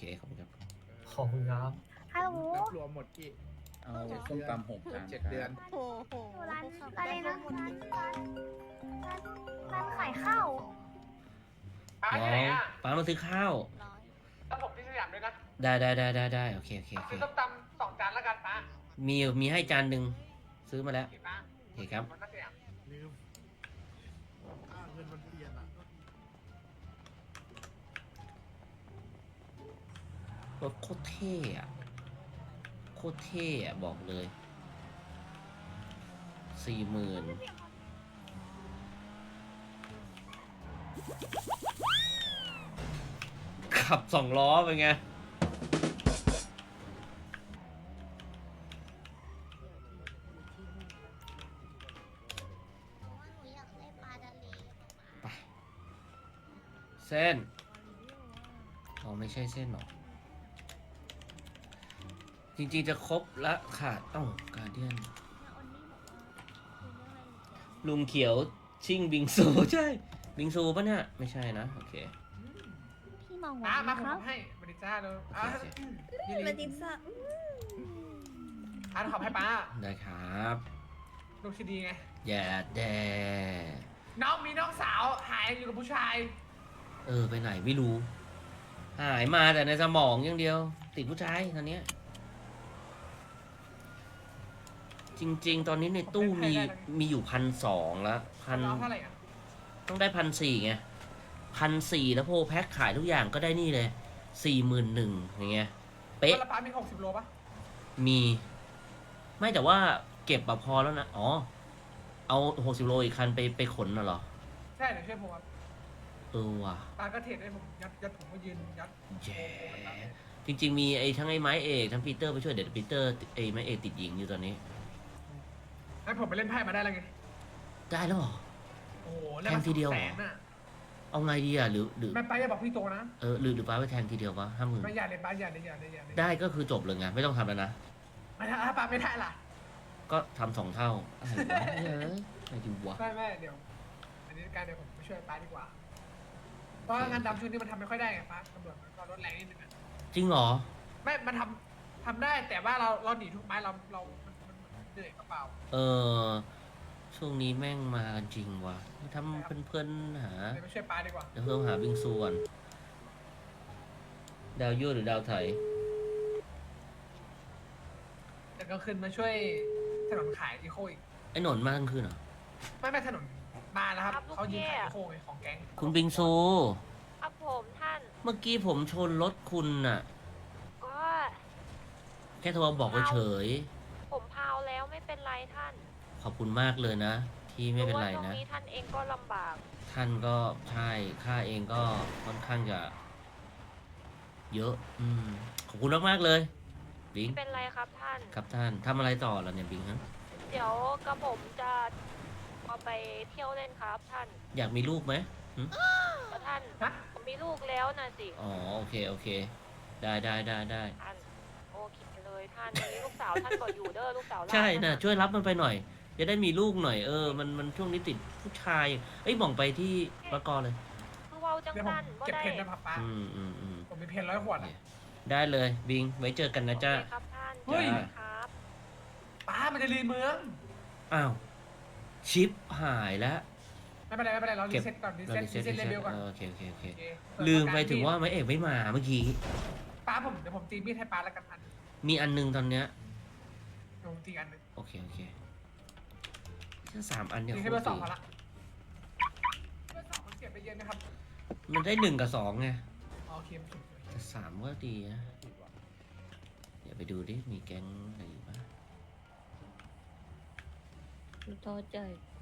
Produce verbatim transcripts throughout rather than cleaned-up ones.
ขอบคุณครับขอบคุณครับฮัลโหลรับรวมหมดกี่เอาส้มตำหกจานเจ็ดเดือนโอ้โหอยู่ร้านอะไรนะร้านร้านร้านร้านขายข้าวป้าน้ที่อไหนงอ่ะป้ามาซื้อข้าวร้อยแล้วผมที่สยามด้วยนะได้ได้ได้ได้ได้โอเคโอเคโอเคซื้อส้มตำสองจานแล้วกันป้ามีมีให้จานหนึ่งซื้อมาแล้วโอเคป้าโอเคครับมันก็สยามลืมค่าเงินมันเปลี่ยนอ่ะรถโคตรเท่อะโคตรเท่อะบอกเลยสี่หมื่นขับสองล้อเป็นไง ไป เส้นอ๋อไม่ใช่เส้นหรอ จริงๆจะครบละขาดเอ้าการเดียนลุงเขียวชิงบิงซู ใช่ บิงซูปะเนี่ย ไม่ใช่นะ โอเคพี่มองป้าว่ามาผมครับให้บริจ้าเลยอ่ะโอเคนี่มาลิดิงซ่าอ่ะขอบให้ป้าได้ครับลูกชีดีไงอย่าแดน้องมีน้องสาวหายอยู่กับผู้ชายเออ ไปไหนไม่รู้ หายมาแต่ในสมองอย่างเดียว ติดผู้ชายตอนเนี้ย จริง ๆ ตอนนี้ในตู้มีมีอยู่พันสองแล้วพันน้องเท่าไหร่อ่ะต้องได้พันสี่ไงพันสี่แล้วโพลแพ็คขายทุกอย่างก็ได้นี่เลยสี่หมื่นหนึ่งอย่างเงี้ย เป๊ะแล้วป้ามีหกสิบโลป่ะมี ไม่แต่ว่าเก็บแบบพอแล้วนะ อ๋อ เอาหกสิบโลอีกคันไปไปขนน่ะเหรอใช่เดี๋ยวช่วยผมครับเออว่ะป้าก็เทรดให้ผมยัดยัดผมก็ยืนยัดแย่จริง ๆ มีไอ้ทั้งไอ้ไม้เอกทั้งปีเตอร์ไปช่วยเด็ดปีเตอร์ไอ้ไม้เอกติดหญิงอยู่ตอนนี้ให้ผมไปเล่นไพ่มาได้แล้วไงได้แล้วเหรอโอ้โหเล่นแทมางทีเดียวแสนน่ะเอาไงดีอ่ะหรือหรือแม่ป้าอย่าบอกพี่โตนะเออหรือหรือป้าไปแทงทีเดียวปะห้าหมื่นไม่อย่าเลยป้าอย่าเลยอย่าเลยอย่าเลยได้ก็คือจบเลยไงไม่ต้องทำแล้วนะไม่ถ้าป้าไม่ได้ล่ะก็ทำสองเท่าอะไรวะเฮ้ยอะไรดีวะไม่ไม่เดี๋ยว อันนี้การเดี๋ยวผมไปช่วยป้าดีกว่า เพราะว่างานดำช่วงนี้มันทำไม่ค่อยได้ไงป้าตำรวจมันก็ลดแรงนิดนึงอะจริงเหรอไม่ มันทำทำได้แต่ว่าเราเราหนีทุกไม้เราเรา มันมันมันเหนื่อยกระเป๋าเออ ช่วงนี้แม่งมากันจริงว่ะทำเพื่อนๆหาเดี๋ยวไปช่วยป้าดีกว่าเดี๋ยวเพิ่มหาบิงซูก่อนดาวยั่วหรือดาวไถแต่ก็ขึ้นมาช่วยถนนขายอีโคอีกไอ้หนนมากลางคืนเหรอไม่ไม่ถนนมาแล้วครับครับลูกเขายืนขายเทพอีโคไงของแก๊งคุณบิงซูครับผมท่านเมื่อกี้ผมชนรถคุณน่ะก็แค่โทรบอกเฉยผมพาวแล้วไม่เป็นไรท่านๆขอบคุณมากเลยนะ ที่ไม่เป็นไรพาะว่าช่วนะงนี้ท่านเองก็ลำบากท่านก็ใช่ข้าเองก็ค่อนข้างจะเยอะ อืม ขอบคุณมากๆเลยบิงไม่เป็นไรครับท่านครับท่านทำอะไรต่อแล้วเนี่ยบิงครับเดี๋ยวกระผมจะเอาไปเที่ยวเล่นครับท่านอยากมีลูกไหมหึแล้วท่านฮะผมมีลูกแล้วนะสิอ๋อโอเคโอเค ได้ได้ได้ได้ท่านโอเคเลยท่านวันนี้ลูกสาวท่านก็อยู่เด้อลูกสาวใช่หลานะช่วยรับมันไปหน่อย จะได้มีลูกหน่อยเออมันมันช่วงนี้ติดผู้ชาย เอ้ยบ่องไปที่ประกอเลยคือเว้าจังเดี๋ยวผมท่านก็เก็บได้เพนนะครับป้าอืมอืมอืมผมมีเพนร้อยขวดอะได้เลยบิง ไว้เจอกันนะจ๊ะโอเคครับท่านเฮ้ยเจอกันครับป้ามันจะรีเมืองอ้าว ชิปหายแล้วไม่เป็นไรไม่เป็นไรเราเก็รีบเซ็ตก่อนรีเราเซ็ตรีรีเซ็ตเซ็ตเลเวลก่อนเออโอเคโอเคโอเคโอเคลืมไปถึงว่าไม่เอกไม่มาเมื่อกี้ป้าผมเดี๋ยวผมตีมีดให้ป้าแล้วกันพันมีอันหนึงตอนเนี้ยเดี๋ยวผมตีอันหนึงโอเคโอเคแค่สามอันเนี่ยตีโคให้ตเบรอร์สองดีพอละเบอร์สองมันเก็บไปเยอะนะครับมันได้หนึ่งกับสองไงอ๋อโอเคมันเก็บไปเยแต่อะสามก็ดีนะเดี๋ยวไปดูดิ มีแก๊งอะไรอยู่บ้างดูโทษใจ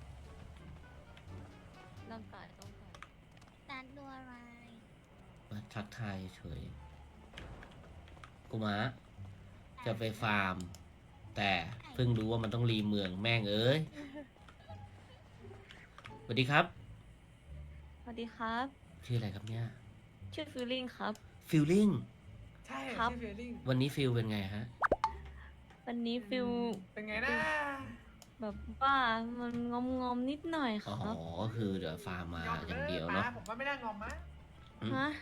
ร่างกายต้องการร้านดูอะไรมาทักทายเฉย กูมาจะไปฟาร์ม แต่เพิ่งรู้ว่ามันต้องรีเมืองแม่งเอ้ย สวัสดีครับสวัสดีครับชื่ออะไรครับเนี่ยชื่อฟิลลิ่งครับฟิลลิ่งใช่ครับที่เฟลลิ่งวันนี้ฟิลเป็นไงฮะวันนี้ฟิลเป็นไงนะแบบว่ามันงอมงอมๆนิดหน่อยคอ๋อรับก็คือเดี๋ยวฟาร์มมาอย่างเดียวป้าเนาะผมว่าไม่น่างอมมะอืมฮะ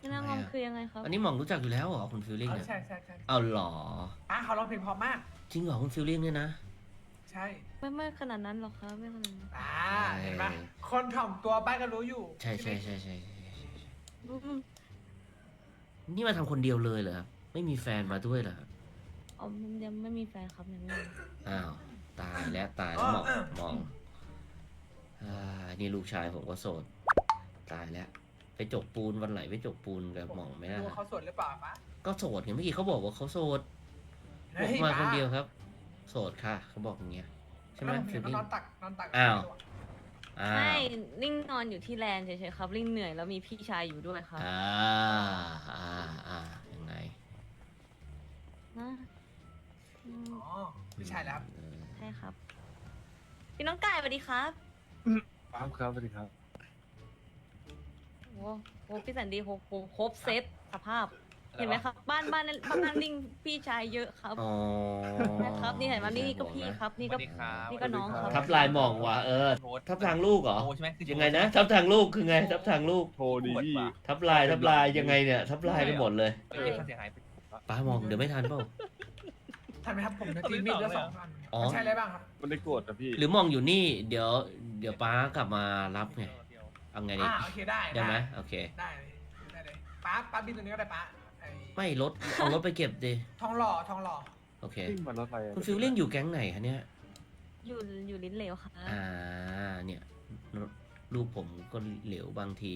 ที่น่างอมคือยังไงครับอันนี้หม่องรู้จักอยู่แล้วเหรอคุณฟิลลิ่งเออเนี่ยใช่ใช่ใช่เอาเหรอป้าเขาร้องเพลงเพราะมากจริงเหรอคุณฟิลลิ่งเนี่ยนะใช่ไม่ไม่ขนาดนั้นหรอกครับไม่ขนาดนั้นอ่าเห็นปะคนถ่อมตัวป้าก็รู้อยู่ใช่ใช่ใช่ใช่ใช่อืมนี่มาทำคนเดียวเลยเหรอครับไม่มีแฟนมาด้วยเหรอครับอ๋อมันยังไม่มีแฟนครับยังไม่มีอ้าวตายแล้วตายแล้วหมองหมองอ่านี่ลูกชายผมก็โสดตายแล้วไปจกปูนวันไหนไปจกปูนกับหมองไม่ได้รู้ว่าเขาสวดหรือเปล่าป้าก็โสดไงเมื่อกี้เขาบอกว่าเขาโสดเฮ้ผมยมาป้คนเดียวครับ โสดค่ะเขาบอกอย่างเงี้ยใช่ไหมแล้วผมฟิเห็นลลิ่งเขานอนตักนอนตักอ้าว อ้าไม่วลิงนอนอยู่ที่แลนด์เฉยๆครับลิงเหนื่อยแล้วมีพี่ชายอยู่ด้วยครับอ่าอ่าอ่ายังไงนะอืมอ๋อไม่ใช่แล้วครับเออใช่ครับ พี่น้องไก่สวัสดีครับครับครับสวัสดีครับโอ้โหพี่สันดีโหโหครบเซตสภาพ เห็นไหมครับ บ้านบ้านนั้นบ้านลิงพี่ชายเยอะครับอ๋อนะครับนี่เห็นไหมนี่นี่ก็พี่ครับ นี่ก็นี่ก็น้องครับทับลายหมองว่ะเออ ทับทางลูกเหรอโทรใช่ไหมคือยังไงนะ ทับทางลูกคือไง ทับทางลูกโทรดีพี่ทับลายทับลายยังไงเนี่ย ทับลายไปหมดเลยเออค่าเสียหายไปป้ามองเดี๋ยวไม่ทันเปล่าทันไหมครับผมจะตีมีดแล้วสองอันอ๋อมันใช่อะไรบ้างครับมันได้โกรธนะพี่หรือมองอยู่นี่ เดี๋ยว เดี๋ยวป้ากลับมารับไงเอาไงดีอ่าโอเคได้ได้ไหมโอเคได้เลยได้เลยป้าป้าบินตัวนี้ก็ได้ป้าไอ้ไม่รถเอารถไปเก็บดิทองหล่อทองหล่อโอเควิ่งมารถไฟคุณฟิลลิ่งอยู่แก๊งไหนคะเนี่ยอยู่อยู่ลิ้นเหลวค่ะอ่า เนี่ย ลูกผมก็เหลวบางที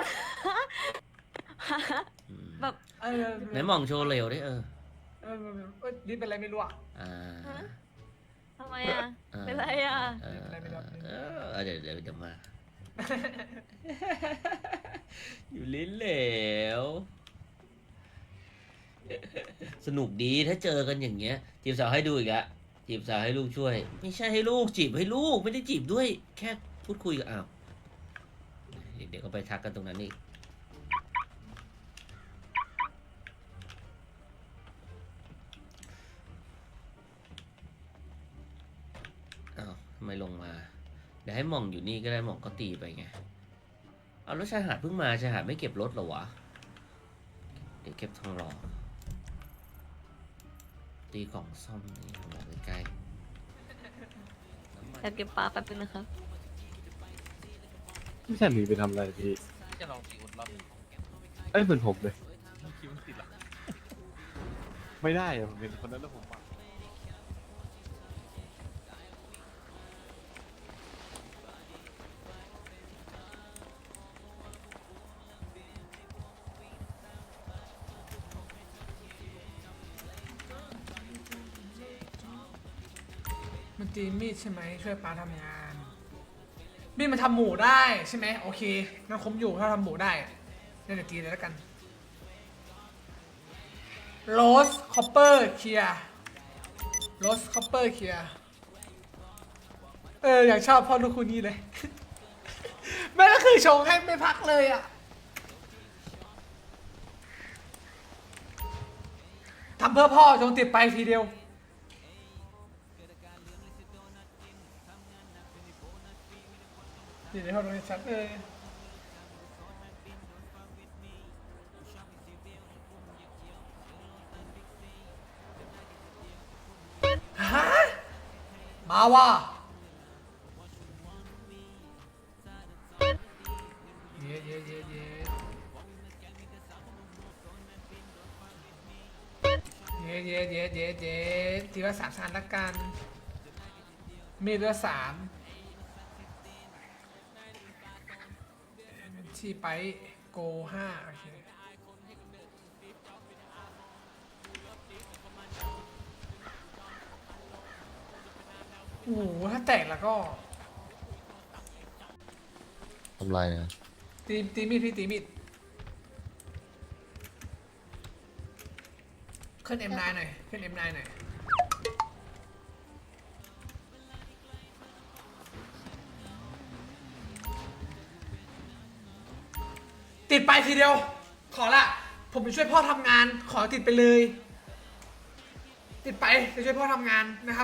อืมแบบเออไหนมองโชว์เหลวดิเออเออเออลิ้นเป็นอะไรไม่รู้อ่ะอ่าทำไมอ่ะอ่าเป็นไรอ่ะเออเออเดี๋ยวเดี๋ยวเดี๋ยวมา อยู่ลิ้นเหลว สนุกดีถ้าเจอกันอย่างเงี้ย จีบสาวให้ดูอีกอะจีบสาวให้ลูกช่วย ไม่ใช่ให้ลูกจีบให้ลูกไม่ได้จีบด้วย แค่พูดคุยกันอ้าวเดี๋ยวก็ไปทักกันตรงนั้นอีกอ้าวทำไมลงมา เดี๋ยวให้หม่องอยู่นี่ก็ได้หม่องก็ตีไปไง เอาแล้วชายหาดเพิ่งมาชายหาดไม่เก็บรถเหรอวะ เดี๋ยวเก็บทองหล่อตีกล่องซ่อมนี่ทองหล่อใกล้แต่เก็บปลาแป๊บนึงนะครับไม่ใช่หนีไปทำอะไรพี่จะลองสิวนรอบเอ้ยเหมือนผมเลยคิวมันติดเหรอไม่ได้อะผมเห็นคนนั้นแล้วผมว่ามันตีมีดใช่ไหมช่วยป้าทำงานมีดมันทำหมูได้ใช่ไหมโอเคงั้นคมอยู่ถ้าทำหมูได้เนี่ยเดี๋ยวตีเลยแล้วกันโรสคอปเปอร์เคลียโรสคอปเปอร์เคลียเอออยากชอบพ่อลูกคู่นี้เลย แม่ก็คือชงให้ไม่พักเลยอ่ะทำเพื่อพ่อจงติดไปทีเดียวเดี๋ยวเขาดูให้ชัดเลยฮะมาว่ะเย้เย้เย้เย้เย้เย้เย้เย้เย้ทีละสามชั้นละกันมีดละสามที่ไปโกห้าโอเคโอ้โหถ้าแตกแล้วก็ทำไรนะตีตีมีดพี่ตีมีดขึ้น เอ็ม ไนน์ หน่อยขึ้น เอ็ม ไนน์ หน่อยติดไปทีเดียว ขอละผมไปช่วยพ่อทำงาน ขอติดไปเลย ติดไปไปช่วยพ่อทำงานนะครับ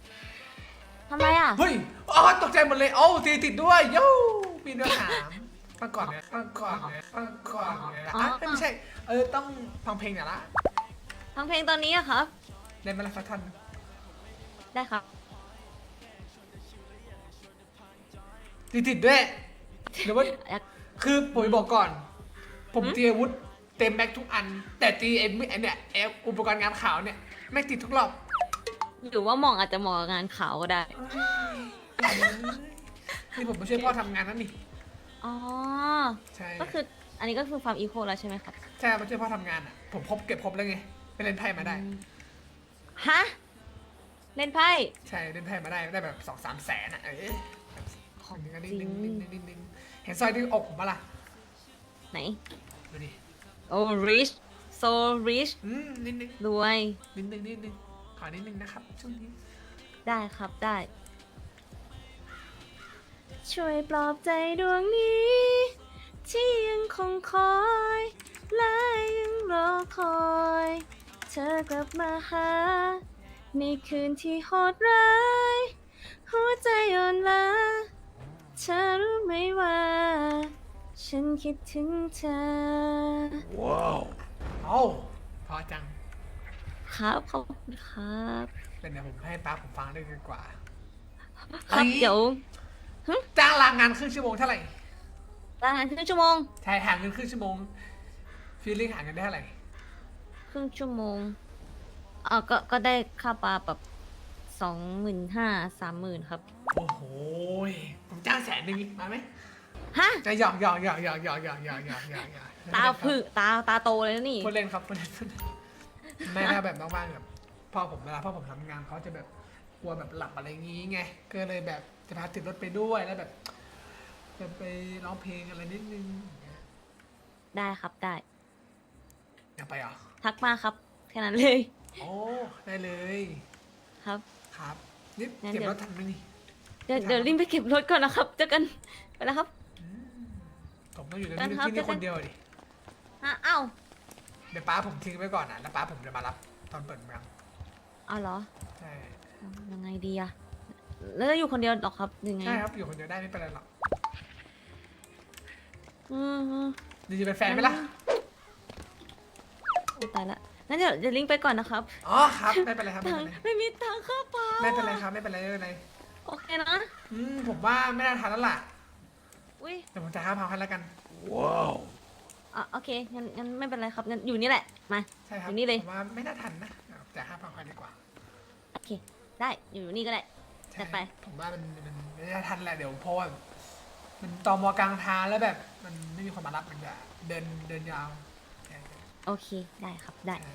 ทำไมอ่ะเฮ้ยอ๋อตกใจหมดเลยโอ้ตีติดด้วยโย่ปีนเดือดสามฟังก่อนเนี่ยฟังก่อนเนี่ยฟังก่อนเนี่ยอ๋ออ่ะเอ้ยไม่ใช่ เออต้องฟังเพลงหน่อยละฟังเพลงตอนนี้อะครับเล่นมาละสักท่อนได้ครับติดๆด้วยหรือว่าอยากคือผมจะบอกก่อน ผมหืมตีอาวุธเต็มแม็กทุกอัน แต่ตีไอ้ไอ้เนี่ยไอ้อุปกรณ์งานข่าวเนี่ยไม่ติดทุกรอบหรือว่าหมองอาจจะเหมาะกับงานขาวก็ได้นี่ผมมาช่วยพ่อทำงานนั่นนี่อ๋อใช่ก็คืออันนี้ก็คือฟาร์มอีโคแล้วใช่ไหมครับใช่มาช่วยพ่อทำงานอ่ะ ผมครบเก็บครบแล้วไงไปเล่นไพ่มาได้ฮะ เล่นไพ่ใช่เล่นไพ่มาได้ได้แบบสองสามแสนอ่ะเออของนิดจรินึงงนิดนึงนิดนึงเห็นสร้อยที่อกผมปะล่ะไหนดูดิโอ้ rich so rich อืมนิดนึงรวยนิดนึงนิดนึงขอนิดนึงนะครับช่วงนี้ได้ครับได้ ช่วยปลอบใจดวงนี้ ที่ยังคงคอย และยังรอคอย เธอกลับมาหา ในคืนที่โหดร้าย หัวใจอ่อนล้าเธอรู้ไหมว่า ฉันคิดถึงเธอเอ้าพอจังครับขอบคุณครับเป็นเดี๋ยวผมให้ป้าผมฟังด้วยดีกว่าครับเดี๋ยวจ้างลางงานครึ่งชั่วโมงเท่าไหร่ลางานครึ่งชั่วโมงใช่หาเงินครึ่งชั่วโมงฟีลลิ่งหาเงินได้เท่าไหร่ครึ่งชั่วโมงอ่าก็ก็ได้ค่าปลาแบบสองหมื่นห้าสามหมื่นครับโอ้โหยผมจ้างแสนหนึ่งมาไหมฮะจะหยอกหยอกหยอกหยอกหยอกหยอกหยอกหยอกหยอกหยอกตาผึตาตาโตเลยนะนี่พูดเล่นครับพูดเล่นไม่น่าแบบบ้างๆแบบพ่อผมเวลาพ่อผมทำงานเขาจะแบบกลัวแบบหลับอะไรงี้ไงก็เลยแบบจะพาติดรถไปด้วยแล้วแบบจะไปร้องเพลงอะไรนิดนึงอย่างเงี้ยได้ครับได้อยากไปเหรอทักมาครับ แค่นั้นเลยโอ้ได้เลยครับครับนี่งั้นเก็บเดี๋ยวรถทันไหมนี่เดี๋ยวเดี๋ยวรีบไปเก็บรถก่อนนะครับ เจอกัน ไปแล้วครับผมต้องอยู่ในกันที่ครับที่นี่เจอคกันนเดียวดิฮะเอ้าเดี๋ยวป้าผมทิ้งไว้ก่อนนะแล้วป้าผมจะมารับตอนเปิดเมืองเอาเหรอใช่ยังไงดีอะแล้วจะอยู่คนเดียวหรอครับยังไงใช่ครับอยู่คนเดียวได้ไม่เป็นไรหรอกอืมอืมดีจะเป็นแฟนไหมล่ะอุ๊ยตายละงั้นเดี๋ยวเดี๋ยวลิงก์ไปก่อนนะครับอ๋อครับไม่เป็นไรครับไม่ตังเป็นค์ไรไม่มีตังค่าปลาไม่เป็นไรครับไม่เป็นไรไม่เป็นไรโอเคนะอืมผมว่าไม่น่าทันแล้วล่ะอุ้ยเดี๋ยวผมจะห้าพันให้แล้วกันอ่ะโอเคงั้นงั้นไม่เป็นไรครับงั้นอยู่นี่แหละมาใช่ครับอยู่นี่เลยผมว่าไม่น่าทันนะแต่ห้าพันดีกว่าโอเค ได้อยู่นี่ก็ได้ใช่จัดไปผมว่ามันมันไม่น่าทันแหละเดี๋ยวเพราะว่ามันตอมอกลางทางแล้วแบบ มันไม่มีคนมารับมันจะเดินเดินยาวใช่โอเคได้ครับได้ใช่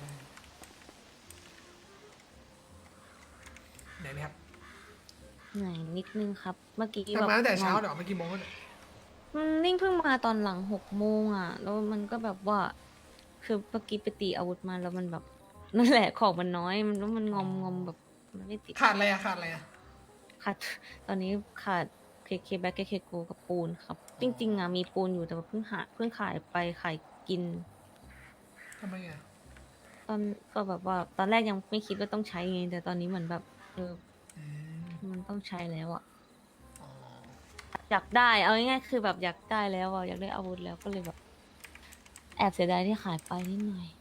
เหนื่อยไหมครับเหนื่อยนิดนึงครับ เมื่อกี้ทำงานตั้งแต่แบบเช้าเดี๋ยวไม่กี่โมงเนี่ยมันนิ่งเพิ่งมาตอนหลังหกโมงอ่ะ แล้วมันก็แบบว่า คือเมื่อกี้ไปตีอาวุธมาแล้วมันแบบ นั่นแหละของมันน้อย มันแล้วมันงอมงอมแบบมันไม่ติดขาดอะไรอะขาดอะไรอะขาดตอนนี้ขาดเคเคแบ็กเคเคโกกับปูนครับ จริงๆอ่ะมีปูนอยู่แต่ว่าเพิ่งหาเพิ่งขายไปขายกินทำไมอะตอนก็แบบว่า ตอนแรกยังไม่คิดว่าต้องใช้ไงแต่ตอนนี้เหมือนแบบเอออืมมันต้องใช้แล้วอ่ะอ๋ออยากได้เอาง่ายๆคือแบบอยากได้แล้วอ่ะอยากได้อาวุธแล้วก็เลยแบบ แอบเสียดายที่ขายไปนิดหน่อย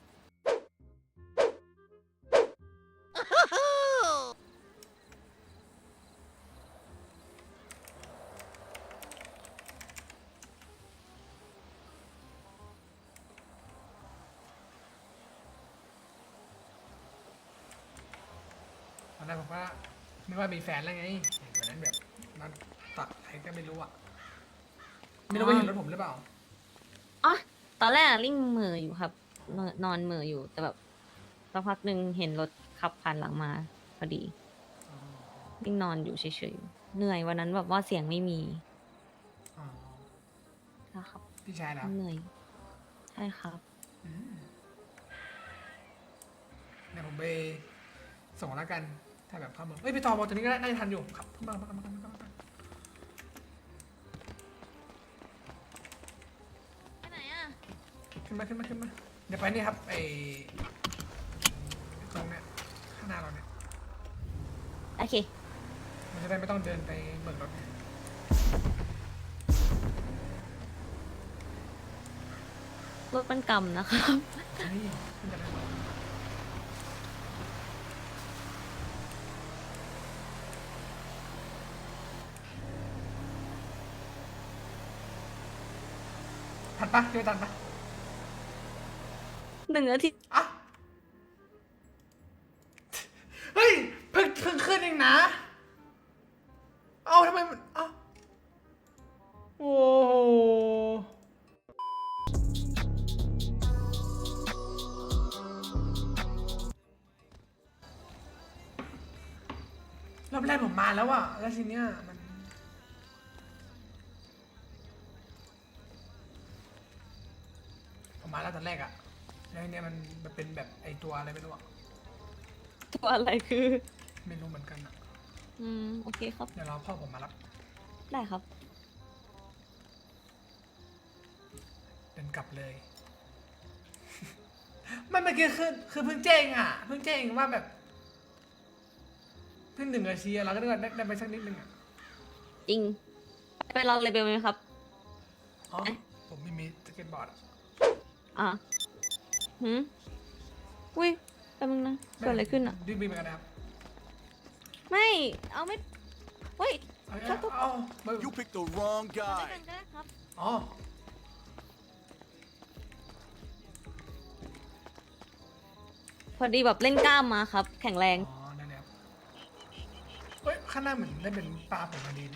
ตอนแรกผมว่านึกว่ามีแฟนแล้วไงวันนั้นแบบนอนตัดอะไรก็ไม่รู้อะไม่รู้ว่าเห็นรถผมหรือเปล่าอ๋อตอนแรกอะลิ่งเหม่ออยู่ครับนอนนอนเหม่ออยู่แต่แบบสักพักหนึ่งเห็นรถขับผ่านหลังมาพอดีลิ่งนอนอยู่เฉยๆเหนื่อยวันนั้นแบบว่าเสียงไม่มีอ๋อนะครับพี่ชายแล้วเหนื่อยใช่ครับอืมเดี๋ยวผมไปส่งแล้วกัน ถ้าแบบเข้าเมืองเอ้ยไปต่อมอตัวนี้ก็ได้น่าจะทันอยู่ครับขึ้นมามามามามามาไปไหนอ่ะขึ้นมาขึ้นมาขึ้นมาเดี๋ยวไปนี่ครับไอ้ตรงเนี้ยข้างหน้าเราเนี่ยโอเคมันจะได้ไม่ต้องเดินไปเบิกรถไงรถมันกำนะครับนี่ขึ้นกันได้ไหมทันปะเจอทันปะหนึ่งนาทีอ่ะเฮ้ยเพิ่งเพิ่งขึ้นเองนะ เอ้าทำไมมันเอ้าโอ้โหรอบแรกผมมาแล้วอะแล้วทีเนี้ยมัน ผมมาแล้วตอนแรกอะแล้วทีเนี้ยมันมันเป็นแบบไอตัวอะไรไม่รู้อะตัวอะไรคือไม่รู้เหมือนกันอะอืม โอเคครับเดี๋ยวรอพ่อผมมารับได้ครับเดินกลับเลย มันเมื่อกี้คือคือเพิ่งแจ้งอะเพิ่งแจ้งว่าแบบเพิ่งหนึ่งนาทีอะเราก็ได้ได้ได้ไปสักนิดนึงอะจริง ไปลองเลเบลไหมครับอ๋อผมไม่มีสเก็ตบอร์ดอะอ่ะหืมอุ้ยแป๊บนึงนะเกิดอะไรขึ้นอ่ะดิ้นบินไปกันนะครับไม่ เอาไม่เฮ้ยเอาครับเอาเอาเอา You picked the wrong เอา guy. ด้วยกันก็ได้ครับอ๋อพอดีแบบเล่นกล้ามมาครับ แข็งแรงอ๋อนั่นแหละครับเฮ้ยข้างหน้าเหมือนได้เป็นปลาผมมาดีเลย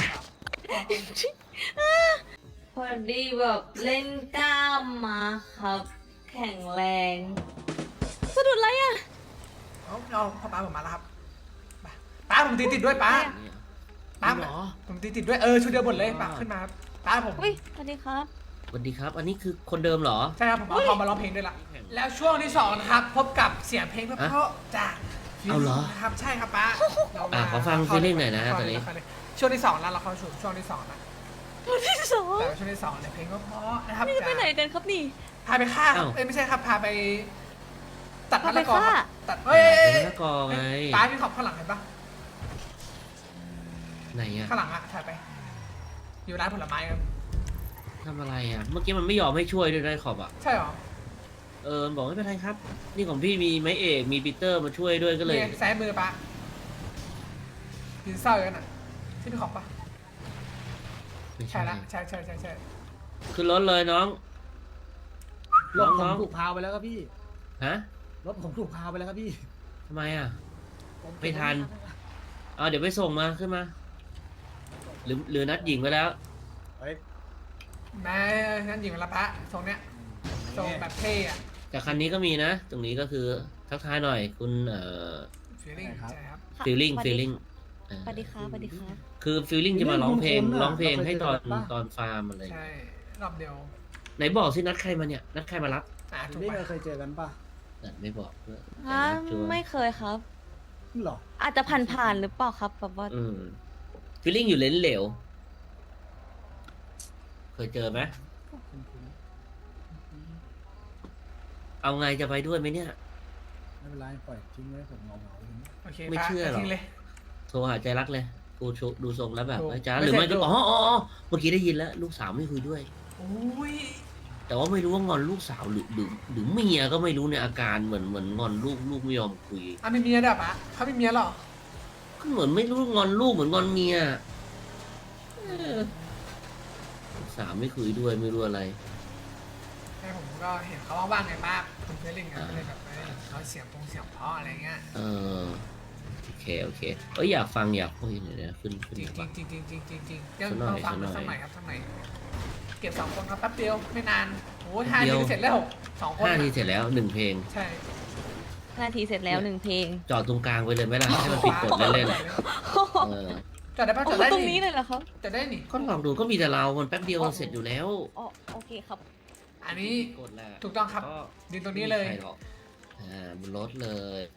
พอดีแบบเล่นกล้ามมาครับ แข็งแรงสะดุดอะไรอ่ะเอาเอาพ่อป้าผมมาแล้วครับไปป้าผมตีติดด้วยป้าเนี่ยป้าเหรอผมตีติดด้วยเออชุดเดียวหมดเลยป้าขึ้นมาครับป้าผมอุ้ยสวัสดีครับสวัสดีครับ อันนี้คือคนเดิมเหรอใช่ครับผมเอาทอมมาร้องเพลงด้วยล่ะแล้วช่วงที่สองนะครับพบกับเสียงเพลงเพราะๆจากเอาเหรอครับใช่ครับป้าเรามาอ่ะขอฟังเข้า feeling หน่อยนะเข้าตอนนี้เข้าเลยช่วงที่สองแล้วเราเข้าสู่ช่วงที่สองนะตัวที่สองแต่ว่าช่วงที่สองเนี่ยเพลงก็เพราะนะครับนี่จะไปจากไหนกันครับนี่พาไปฆ่าครับอ้าวเอ้ยไม่ใช่ครับ พาไป ตัดมะพาไปละกอครับฆ่าตัดเอ้ยเป็นมะละกอไงป้าพี่ขอบข้างหลังเห็นปะไหนอะข้างหลังอะถ่ายไป อยู่ร้านผลไม้ครับทำอะไรอะเมื่อกี้มันไม่ยอมให้ช่วยด้วยได้ขอบอะใช่หรอเออบอกไม่เป็นไรครับ นี่ของพี่มีไม้เอกมีปีเตอร์มาช่วยด้วยก็เลยนี่ซ้ายมือป้ายืนเศร้าอยู่กันอะที่พี่ขอบปะไม่ใช่ใช่ละใช่ใช่ใช่ใช่ขึ้นรถเลยน้องรถผมน้องถูกพาไปแล้วครับพี่ฮะรถผมถูกพาไปแล้วครับพี่ทำไมอะผไม่ทัน เอาเดี๋ยวไปส่งมาขึ้นมา หรือหรือนัดหญิงไปแล้วเฮ้ยแม่งั้นหญิงละพระทรงเนี้ยทรงแบบเท่อะแต่คันนี้ก็มีนะ ตรงนี้ก็คือทักทายหน่อย คุณเอ่อฟีลลิ่งใช่ครับค่ะ feeling สวัสดี feeling สวัสดีครับสวัสดีครับคือ feeling จะมาร้องเพลงคุ้นๆอะร้องเพลงเราเคยให้ตอนเจอกันปะตอนฟาร์มอะไรใช่รอบเดียวไหนบอกสินัดใครมาเนี่ย นัดใครมารับอ่ะถูกนี่ปะเคยเจอกันป่ะนัดไม่บอกด้วยฮะแต่นัดชวนไม่เคยครับหรออาจจะผ่านๆหรือเปล่าครับแบบว่าอืม feeling อยู่เลนเหลว เคยเจอไหม เอาไงจะไปด้วยไหมเนี่ยไม่เป็นไรปล่อยทิ้งไว้ผมเหงาๆอย่างนี้โอเคไม่ป้าเชื่อหรอทิ้งเลยโทรหาใจรักเลย กูโชดูทรงแล้วแบบโทรไอ้จ้าไม่หรือใช่ไม่ก็โทรอ๋ออ๋ออ๋อเมื่อกี้ได้ยินแล้ว ลูกสาวไม่คุยด้วยโอ้ยแต่ว่าไม่รู้ว่างอนลูกสาวหรือหรือหรือเมียก็ไม่รู้ในยอาการเหมือนเหมือนงอนลูกลูกไม่ยอมคุยอ่ะมีเมียด้วยปะเขามีเมียเหรอก็เหมือนไม่รู้งอนลูกเหมือนงอนเมียเออลูกสาวไม่คุยด้วยไม่รู้อะไรให้ผมก็เห็นเขาว่างๆไงป้าคุณเฟลลิ่งก็เลยแบบเอ้ยเขาเสียงพงเสียงเพราะอะไรเงี้ยเออโอเคโอเคเอ้ยอยากฟังอยากคุยหน่อยนะขึ้นขึ้นจริงมาจริฟังงจริงจริงจริงจริงยังสักหน่ต้ออย งฟังสักหน่อยสักหน่อยครับสักหน่อยเก็บสองคนครับแป๊บเดียวไม่นานโอ้ยห้านาทีเสร็จแล้วสองคนห้าอะทีเสร็จแล้วหนึ่งเพลงใช่นาทีเสร็จแล้วหนึ่งเพลงจอดตรงกลางไปเลยไหมล่ะให้มันผิดกฎเล่นๆเออจอดได้ปะจโอ้อดได้ตรงนี้นี่เลยเหรอครับจอดได้นี่ก็ลองดูก็มีแต่เรามันแป๊บเดียวเสร็จอยู่แล้วอ๋อโอเคครับอันนี้กดแหละถูกต้องครับก็ยืนตรงนี้เลยไม่มีใครหรอกอ่าบนรถเลย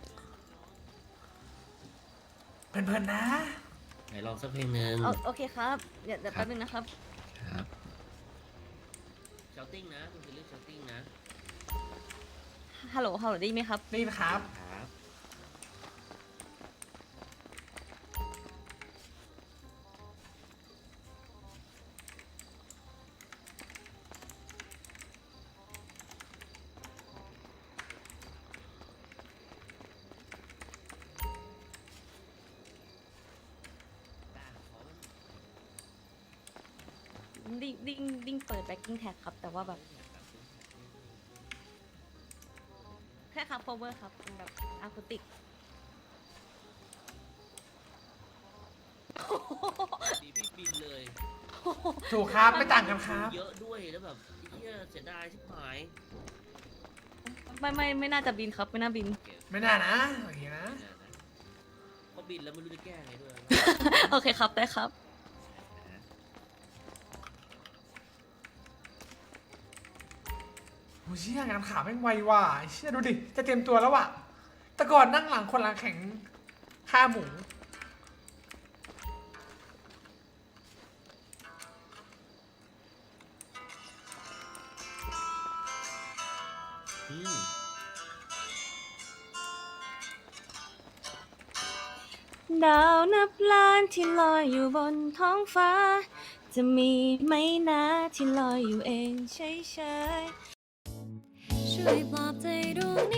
เพลินๆนะไหนลองสักเพลงหนึ่งโอโอเคครับ เดี๋ยวเดี๋ยวแป๊บนึงนะครับครับชาติ้งนะคุณจะเลือกชาติ้งนะฮัลโหล ฮัลโหลได้ยินไหมครับนี่นะครับครับดิ้งดิ้งดิ้งเปิดแบ็กกิ้งแท็กครับ แต่ว่าแบบแค่ครับ cover ครับเป็นแบบอะคูติกดีพี่บินเลยถูกครับไม่ต่างกันครับเยอะด้วยแล้วแบบเฮียเสียดายชิบหายไม่ไม่ไม่น่าจะบินครับ ไม่น่าบินไม่น่านะโอเคนะเพราะบินแล้วไม่รู้จะแก้ไงด้วยโอเคครับ ได้ครับโอ้เชี่ยงานขาแม่งไวว่ะเชี่ยดูดิจะเตรียมตัวแล้วว่ะแต่ก่อนนั่งหลังคนหลังแข็งฆ่าหมูอืมดาวนับล้านที่ลอยอยู่บนท้องฟ้า จะมีไหมนะที่ลอยอยู่เองเฉยๆช่วยปลอบใจดวง